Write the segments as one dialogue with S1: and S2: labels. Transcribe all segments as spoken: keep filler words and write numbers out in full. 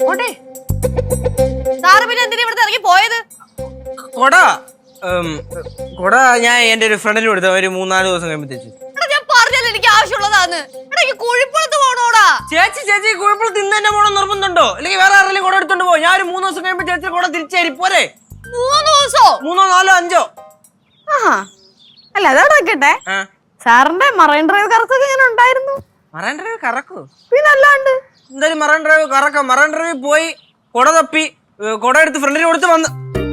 S1: Sir പിന്നെ എന്തിനാ ഇവിടുന്ന് ഇറങ്ങി പോയത്?
S2: കൊട കൊട ഞാൻ എന്റെ ഒരു ഫ്രണ്ടിന് കൊടുത്ത ഒരു മൂന്നാല് ദിവസം കഴിയുമ്പോഴത്തേക്ക്.
S1: ഞാൻ പറഞ്ഞല്ലോ എനിക്ക് ആവശ്യമുള്ളതാന്ന്. കുഴിപ്പുറത്ത് പോണോടാ.
S2: ചേച്ചി ചേച്ചി കുഴപ്പമില്ല ഇന്ന് തന്നെ പോണം നിർബന്ധമുണ്ടോ? അല്ലെങ്കിൽ വേറെ ആരെങ്കിലും കൊട എടുത്തോണ്ട് പോകും. ഞാൻ ഒരു മൂന്ന് ദിവസം കഴിയുമ്പോ ചേച്ചി കൊട തിരിച്ചേരി പോരെ.
S1: മൂന്ന് ദിവസോ?
S2: മൂന്നോ നാലോ അഞ്ചോ.
S1: അല്ല അതോടൊക്കെ സാറിന്റെ മറൈൻ ഡ്രൈവ് കറക്കൊക്കെ എങ്ങനെ ഉണ്ടായിരുന്നു?
S2: മറൈൻ ഡ്രൈവ് കറക്കോ?
S1: പിന്നെ അല്ലാണ്ട്
S2: എന്തായാലും മറൈൻ ഡ്രൈവ് കറക്കാം. മറൈൻ ഡ്രൈവ് പോയി കൊട തപ്പി കൊട എടുത്ത് ഫ്രണ്ടിന് കൊടുത്ത് വന്ന്.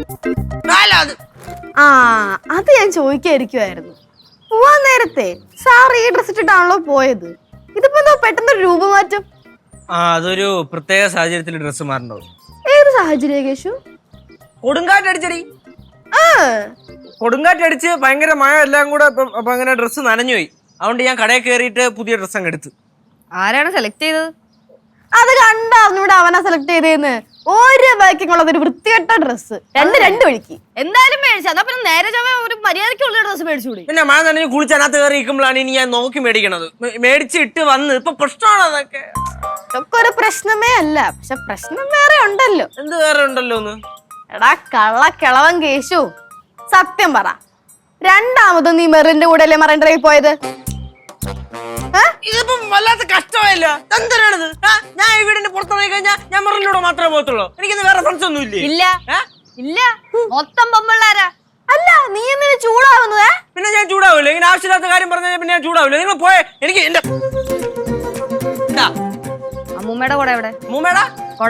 S1: ആ അത് ഞാൻ ചോദിക്കായിരിക്കുമായിരുന്നു. പോവാൻ നേരത്തെ സാർ ഈ ഡ്രസ് ഇട്ടിട്ടാണല്ലോ പോയത്. ഇതിപ്പോ എന്തോ പെട്ടെന്നൊരു രൂപമാറ്റം.
S2: ആ അതൊരു പ്രത്യേക സാഹചര്യത്തിൽ ഡ്രസ്സ് മാറണ്ടോ?
S1: ഏത് സാഹചര്യ കേശു?
S2: കൊടുങ്കാറ്റടിച്ചടി. കൊടുങ്കാറ്റടിച്ച് ഭയങ്കര മഴ എല്ലാം കൂടെ അപ്പൊ അങ്ങനെ ഡ്രസ്സ് നനഞ്ഞുപോയി. അതുകൊണ്ട് ഞാൻ കടയിൽ കയറിയിട്ട് പുതിയ ഡ്രസ്സ് അങ്ങ് എടുത്ത്.
S1: ആരാണ് സെലക്ട് ചെയ്തത്? അത് കണ്ടറിഞ്ഞൂടെ അവനാ സെലക്ട് ചെയ്തേന്ന്. ഒരു ബാക്കിങ്ങുള്ളത് ഒരു വൃത്തികെട്ട ഡ്രസ്സ്. രണ്ട് രണ്ട് വഴിക്ക് എന്തായാലും മേടിച്ചു. അതാ പിന്നെ നേരെ ചൊവ്വേ ഒരു മര്യാദയ്ക്കുള്ള ഡ്രസ്സ് മേടിച്ചുകൂടി.
S2: പിന്നെ മഴ നനഞ്ഞ് കുളിച്ചതിനകത്ത് കയറി ഇരിക്കുമ്പോഴാണ് ഇനി ഞാൻ നോക്കി മേടിക്കണത്. മേടിച്ചിട്ട് വന്ന് ഇപ്പൊ പ്രശ്നമാണ് അതൊക്കെ.
S1: ഇതൊക്കെ ഒരു പ്രശ്നമേ അല്ല. പക്ഷെ പ്രശ്നം വേറെ ഉണ്ടല്ലോ.
S2: എന്ത് വേറെ ഉണ്ടല്ലോ ഒന്ന്?
S1: എടാ കള്ള കിളവൻ കേശു, സത്യം പറ, രണ്ടാമത് നീ മെറിന്റെ കൂടെ അല്ലേ മറൈൻ ഡ്രൈവ് പോയത്?
S2: ഇതിപ്പം വല്ലാത്ത കഷ്ടമായില്ല. എന്തിനാണിത്? ഞാൻ ഈ വീടിന്റെ പുറത്തിറങ്ങി കഴിഞ്ഞാൽ ഞാൻ മെറിലൂടെ മാത്രമേ പോകത്തുള്ളൂ. എനിക്കിന്ന് വേറെ ഫ്രണ്ട്സ് ഒന്നും ഇല്ലേ?
S1: ഇല്ല ഇല്ല, മൊത്തം പൊമ്പിള്ളാരാ. അല്ല നീ എന്തിനാ ചൂടാവുന്നത്?
S2: പിന്നെ ഞാൻ ചൂടാവില്ല. ഇങ്ങനെ ആവശ്യമില്ലാത്ത കാര്യം പറഞ്ഞാൽ പിന്നെ ഞാൻ ചൂടാവില്ല. നിങ്ങൾ പോയെ. എനിക്ക് എന്റെ
S1: അമ്മൂമ്മയുടെ കൂടെ എവിടെ?
S2: അമ്മൂമ്മേടാ
S1: കൊട.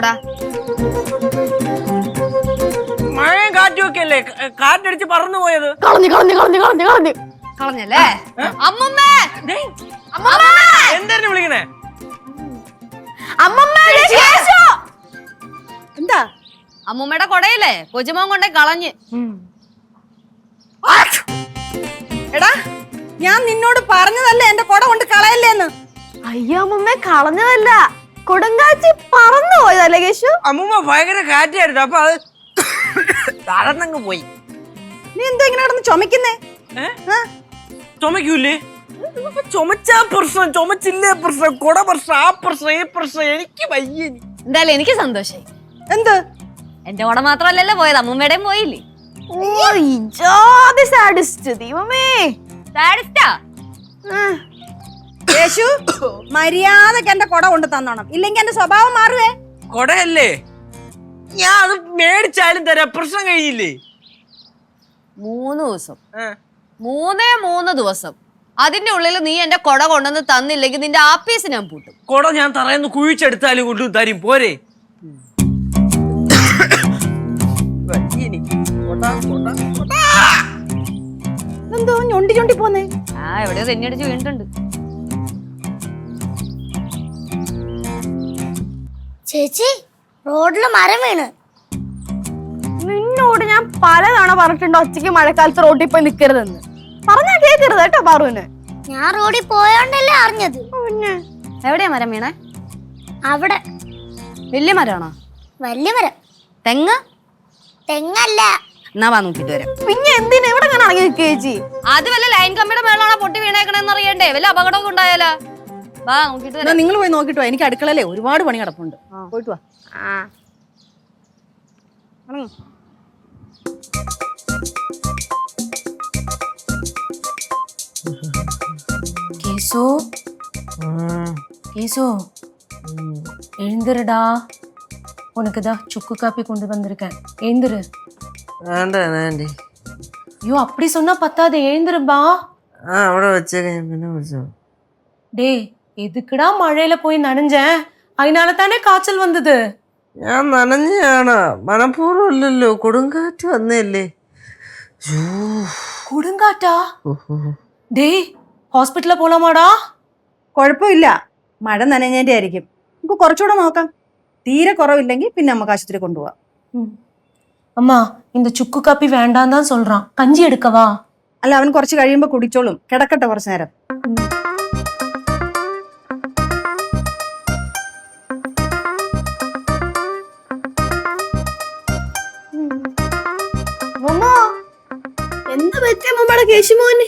S2: മഴയും കാറ്റും ഒക്കെ അല്ലേ കാറ്റടിച്ച് പറന്നു പോയത്.
S1: കളഞ്ഞു കളഞ്ഞു കളഞ്ഞു കളഞ്ഞു കളഞ്ഞു കളഞ്ഞല്ലേ? അമ്മൂമ്മേ
S2: എന്തായിരുന്നു വിളിക്കണേ?
S1: എന്താ? അമ്മൂമ്മയുടെ കൊടയില്ലേ കൊച്ചുമോൻ കൊണ്ടേ കളഞ്ഞ്.
S3: എടാ ഞാൻ നിന്നോട് പറഞ്ഞതല്ലേ എന്റെ കൊട കൊണ്ട് കളയല്ലേന്ന്.
S1: അയ്യോ അമ്മൂമ്മ കളഞ്ഞതല്ല, കൊടുങ്കാറ്റ് പറന്നു പോയതല്ലേ കേശു?
S2: അമ്മൂമ്മ ഭയങ്കര കാറ്റായിരുന്നു. അപ്പൊ അത് തളർന്നങ്ങ് പോയി.
S3: നീ എന്തോ ഇങ്ങനെ കിടന്ന് ചുമക്കുന്നേ?
S2: ചുമക്കൂലേ? ചുമച്ചാ പ്രശ്നം, ചുമച്ചില്ലേ പ്രശ്നം, കൊട പ്രശ്നം, ആ പ്രശ്നം ഈ പ്രശ്നം. എനിക്ക് വയ്യ.
S1: എന്തായാലും എനിക്ക് സന്തോഷായി.
S3: എന്ത്?
S1: എന്റെ കൊട മാത്രല്ലല്ലോ പോയത്, അമ്മൂമ്മയുടെയും പോയില്ലേ?
S3: യേശു മര്യാദക്ക് എന്റെ കൊട കൊണ്ട് തന്നോണം, ഇല്ലെങ്കിൽ എന്റെ സ്വഭാവം മാറുവേ.
S2: കൊടയല്ലേ ഞാൻ അത് മേടിച്ചാലും തരാം. പ്രശ്നം കഴിഞ്ഞില്ലേ?
S1: മൂന്ന് ദിവസം മൂന്നേ മൂന്ന് ദിവസം അതിന്റെ ഉള്ളിൽ നീ എന്റെ കൊട കൊണ്ടുവന്ന് തന്നില്ലെങ്കിൽ നിന്റെ ആപ്പീസ് ഞാൻ പൂട്ടും.
S2: കൊട ഞാൻ തറയെന്ന് കുഴിച്ചെടുത്താലും കൊണ്ടു തരും പോരെ.
S3: എന്തോ ഞൊണ്ടി ഞൊണ്ടി പോന്നേ?
S1: ആ എവിടെയോ തെന്നിയടിച്ച് വീണിട്ടുണ്ട്.
S4: ചേച്ചി റോഡില് മരം വീണ്.
S1: നിന്നോട് ഞാൻ പലതവണ പറഞ്ഞിട്ടുണ്ട് ഒറ്റയ്ക്ക് മഴക്കാലത്ത് റോഡിൽ പോയി നിക്കരുതെന്ന്. പറഞ്ഞാ കേക്കരുത് കേട്ടോ പാറുവിന്.
S4: ഞാൻ റോഡിൽ പോയോണ്ടല്ലേ അറിഞ്ഞത്.
S1: പിന്നെ എവിടെയാ മരം വീണേ?
S4: അവിടെ.
S1: വലിയ മരമാണോ?
S4: വലിയ മരം.
S1: തെങ്ങ്?
S4: തെങ്ങല്ല.
S1: എന്നാ വാ നോക്കിട്ട് വരാം. പിന്നെ എന്തിനാ ഇവിടെ അങ്ങനെ ഇറങ്ങി നിൽക്കുക ചേച്ചി? അത് വല്ല ലൈൻ കമ്പിയുടെ മേളാണോ പൊട്ടി വീണേക്കണെന്ന് അറിയണ്ടേ? വല്ല അപകടമൊക്കെ ഉണ്ടായാലോ? വാ നോക്കിട്ട് വരാം.
S3: നിങ്ങൾ പോയി നോക്കിട്ടോ, എനിക്ക് അടുക്കളയിലെ ഒരുപാട് പണി കിടപ്പുണ്ട്. പോയിട്ട് വാ.
S5: கேசு கேசு எழுந்துருடா, உனக்கு தான் சுக்கு காப்பி கொண்டு வந்திருக்கேன். எழுந்துரு. ஐயோ அப்படி சொன்னா பத்தாது, எழுந்துருப்பா. டே எதுக்குடா மழையில போய் நனைஞ்சேன்? அதனால தானே காய்ச்சல் வந்தது.
S2: ഞാൻ നനഞ്ഞാണ്, മനഃപൂർവ്വം അല്ലല്ലോ. കൊടുങ്കാറ്റ് വന്നല്ലേ.
S5: കൊടുങ്കാറ്റാ? ഡേ ഹോസ്പിറ്റലിൽ പോലാമാടാ?
S3: കുഴപ്പമില്ല, മഴ നനഞ്ഞതിന്റെ ആയിരിക്കും. നമുക്ക് കുറച്ചുകൂടെ നോക്കാം. തീരെ കുറവില്ലെങ്കിൽ പിന്നെ നമുക്ക് ആശുപത്രി കൊണ്ടുപോവാം.
S5: അമ്മാ இந்த ചുക്ക് കാപ്പി വേണ്ടാന്ന് தான் சொல்றான். കഞ്ചി എടുക്കവാ?
S3: അല്ല, അവൻ കുറച്ച് കഴിയുമ്പോ കുടിച്ചോളും. കിടക്കട്ടെ കുറച്ചു നേരം.
S1: എന്താ പറ്റിയ മമ്മയുടെ കേശുമോന്?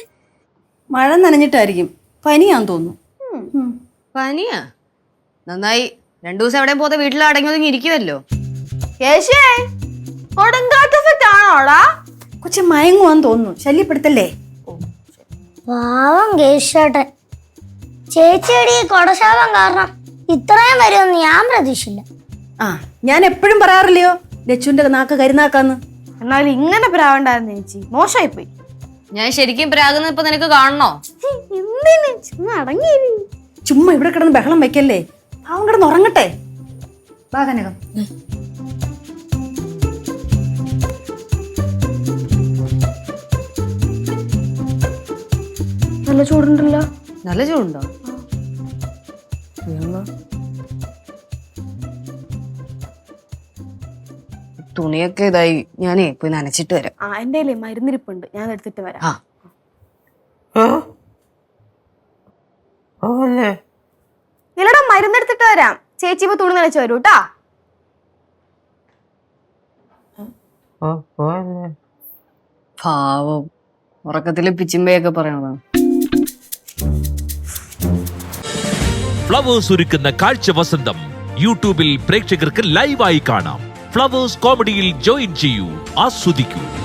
S3: മഴ നനഞ്ഞിട്ടായിരിക്കും, പനിയാന്ന് തോന്നുന്നു.
S1: പനിയാ? നന്നായി, രണ്ടു ദിവസം എവിടെയും പോകാതെ വീട്ടിൽ അടങ്ങി ഒതുങ്ങി ഇരിക്കുമല്ലോ. കേശേ കൊടുങ്കാറ്റ് എഫക്റ്റ് ആണോടാ?
S3: കൊച്ചു മയങ്ങുവാന്ന് തോന്നുന്നു, ശല്യപ്പെടുത്തല്ലേ.
S4: പാവം കേശേട്ടൻ. ചേച്ചിയുടെ ഈ കൊടശാപം കാരണം ഇത്രയും വരുമെന്ന് ഞാൻ പ്രതീക്ഷിച്ചില്ല.
S3: ആ ഞാൻ എപ്പോഴും പറയാറില്ലയോ ലച്ചുവിന്റെ നാക്ക് കരുനാക്കാന്ന്.
S1: എന്നാലും ഇങ്ങനെ പ്രാവണ്ടായിരുന്നു ചേച്ചി, മോശമായി പോയി. ഞാൻ ശരിക്കും പ്രാകുന്ന ഇപ്പൊ നിനക്ക് കാണണോ?
S4: എന്തിന് ചുമ്മാ അടങ്ങി.
S3: ചുമ്മാ ഇവിടെ കിടന്ന് ബഹളം വെക്കല്ലേ, അവൻ കിടന്ന് ഉറങ്ങട്ടെ. വാ കനകം.
S1: നല്ല ചൂടുണ്ടല്ലോ. നല്ല ചൂടുണ്ടോ? തുണിയൊക്കെ ഇതായി, ഞാനേ പോയി നനച്ചിട്ട് വരാം. ആ എന്റെ മരുന്നിരിപ്പുണ്ട്, ഞാൻ എടുത്തിട്ട് വരാം. ഇല്ലടാ മരുന്നെടുത്തിട്ട് വരാം. ചേച്ചി ഇപ്പൊ തുണി നനച്ചു വരൂ കേട്ടാ. പാവം ഉറക്കത്തില് പിച്ചിമ്പയൊക്കെ പറയണതാണ്.
S6: ഫ്ലവേഴ്സ് ഒരുക്കുന്ന കാഴ്ച വസന്തം യൂട്യൂബിൽ പ്രേക്ഷകർക്ക് ലൈവായി കാണാം. ഫ്ലവേഴ്സ് കോമഡിയിൽ ജോയിൻ ചെയ്യൂ, ആസ്വദിക്കൂ.